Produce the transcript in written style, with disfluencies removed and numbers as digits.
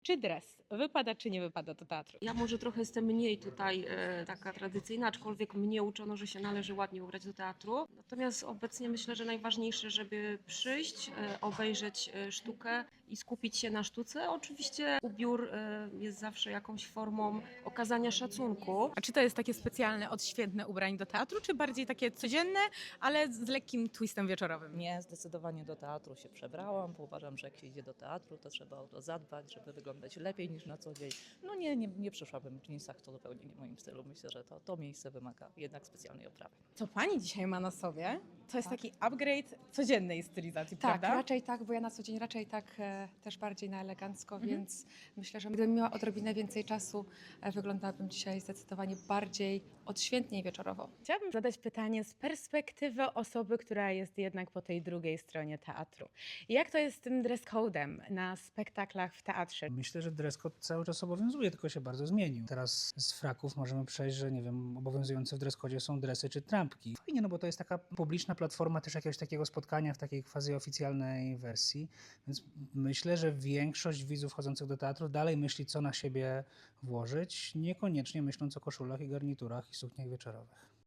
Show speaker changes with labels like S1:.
S1: Czy dres wypada, czy nie wypada do teatru?
S2: Ja może trochę jestem mniej tutaj taka tradycyjna, aczkolwiek mnie uczono, że się należy ładnie ubrać do teatru. Natomiast obecnie myślę, że najważniejsze, żeby przyjść, obejrzeć sztukę i skupić się na sztuce. Oczywiście ubiór jest zawsze jakąś formą okazania szacunku.
S1: A czy to jest takie specjalne, odświętne ubranie do teatru, czy bardziej takie codzienne, ale z lekkim twistem wieczorowym?
S3: Nie, zdecydowanie do teatru się przebrałam, bo uważam, że jak się idzie do teatru, to trzeba o to zadbać, żeby wyglądać lepiej niż na co dzień. No nie przyszłabym w jeansach, to zupełnie nie w moim stylu. Myślę, że to miejsce wymaga jednak specjalnej oprawy.
S1: Co pani dzisiaj ma na sobie, to jest taki upgrade codziennej stylizacji,
S4: Tak,
S1: prawda?
S4: raczej tak, bo ja na co dzień raczej tak też bardziej na elegancko, więc myślę, że gdybym miała odrobinę więcej czasu, wyglądałabym dzisiaj zdecydowanie bardziej odświętnie i wieczorowo.
S1: Chciałabym zadać pytanie z perspektywy osoby, która jest jednak po tej drugiej stronie teatru. Jak to jest z tym dress code'em na spektaklach w teatrze?
S5: Myślę, że dress code cały czas obowiązuje, tylko się bardzo zmienił. Teraz z fraków możemy przejść, że nie wiem, obowiązujące w dress codzie są dresy czy trampki. Fajnie, no bo to jest taka publiczna platforma też jakiegoś takiego spotkania w takiej quasi oficjalnej wersji, więc myślę, że większość widzów chodzących do teatru dalej myśli, co na siebie włożyć, niekoniecznie myśląc o koszulach i garniturach i sukniach wieczorowych.